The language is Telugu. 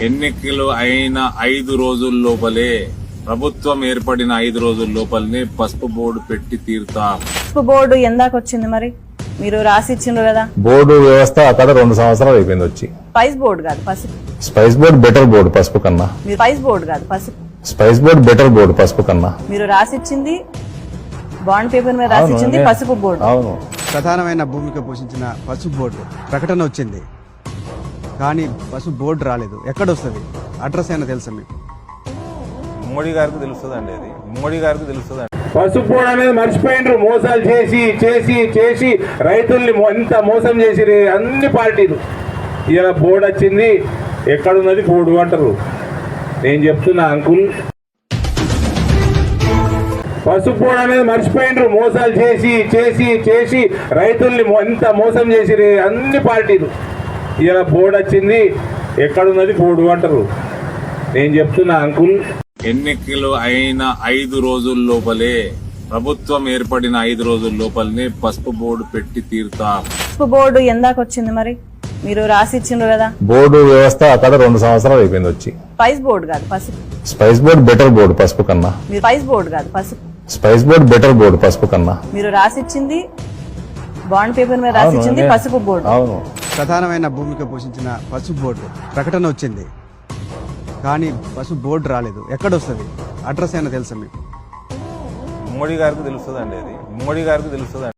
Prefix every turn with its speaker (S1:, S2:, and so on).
S1: ఎన్నికలు అయిన 5 రోజుల లోపలే ప్రభుత్వం ఏర్పడిన 5 రోజుల లోపలనే పసుపు బోర్డు పెట్టి తీరుతాం.
S2: పసుపు బోర్డు ఎందాక వచ్చింది మరి? మీరు రాసి ఇచ్చిండ్రు కదా.
S3: బోర్డు వ్యవస్థ అక్కడ 2 సంవత్సరాలు అయిపోయింది వచ్చి.
S2: స్పైస్ బోర్డు కాదు పసుపు.
S3: స్పైస్ బోర్డు బెటర్ బోర్డు పసుపు కన్నా.
S2: మీరు స్పైస్ బోర్డు కాదు పసుపు.
S3: స్పైస్ బోర్డు బెటర్ బోర్డు పసుపు కన్నా.
S2: మీరు రాసిచ్చింది బాండ్ పేపర్ మీద రాసిచ్చింది పసుపు బోర్డు.
S3: అవును.
S4: ప్రధానమైన భూమిక పోషించిన పసుపు బోర్డు ప్రకటన వచ్చింది, కానీ పసుపు బోర్డు రాలేదు. ఎక్కడొస్తుంది? అడ్రస్ అయినా తెలుసా మీకు?
S5: మోడీ గారికి తెలుస్తుందండి, అది మోడీ గారికి తెలుస్తుంది.
S6: పసుపు బోర్డు అనేది మర్చిపోయిండ్రు. మోసాలు చేసి చేసి చేసి రైతుల్ని ఎంత మోసం చేసి అన్ని పార్టీలు. ఇలా బోర్డు వచ్చింది, ఎక్కడున్నది బోర్డు అంటారు. నేను చెప్తున్నా అంకుల్, పసుపు బోర్డు అనేది మర్చిపోయిండ్రు. మోసాలు చేసి చేసి చేసి రైతుల్ని ఎంత మోసం చేసి అన్ని పార్టీలు. ఇలా బోర్డు వచ్చింది, ఎక్కడున్నది బోర్డు అంటారు. నేను చెప్తున్నా అంకుల్,
S1: ఎన్నికలు అయిన 5 రోజుల లోపలే ప్రభుత్వం ఏర్పడిన 5 రోజుల లోపలనే పసుపు బోర్డు పెట్టి తీరుతాం.
S2: పసుపు బోర్డు ఎందాక వచ్చింది మరి? మీరు రాసి ఇచ్చిండ్రు కదా.
S3: బోర్డు వ్యవస్థ అక్కడ 2 సంవత్సరాలు అయిపోయింది వచ్చి.
S2: స్పైస్ బోర్డు కాదు పసుపు.
S3: స్పైస్ బోర్డు బెటర్ బోర్డు పసుపు కన్నా.
S2: మీరు స్పైస్ బోర్డు కాదు పసుపు.
S3: స్పైస్ బోర్డు బెటర్ బోర్డు పసుపు కన్నా.
S2: మీరు రాసిచ్చింది బాండ్ పేపర్ మీద రాసిచ్చింది పసుపు బోర్డు.
S3: అవును.
S4: ప్రధానమైన భూమిక పోషించిన పసుపు బోర్డు ప్రకటన వచ్చింది, కానీ పసుపు బోర్డు రాలేదు. ఎక్కడొస్తుంది? అడ్రస్ అయినా తెలుసా మీకు?
S5: మోడీ గారికి తెలుస్తుందండి, అది మోడీ గారికి తెలుస్తుంది.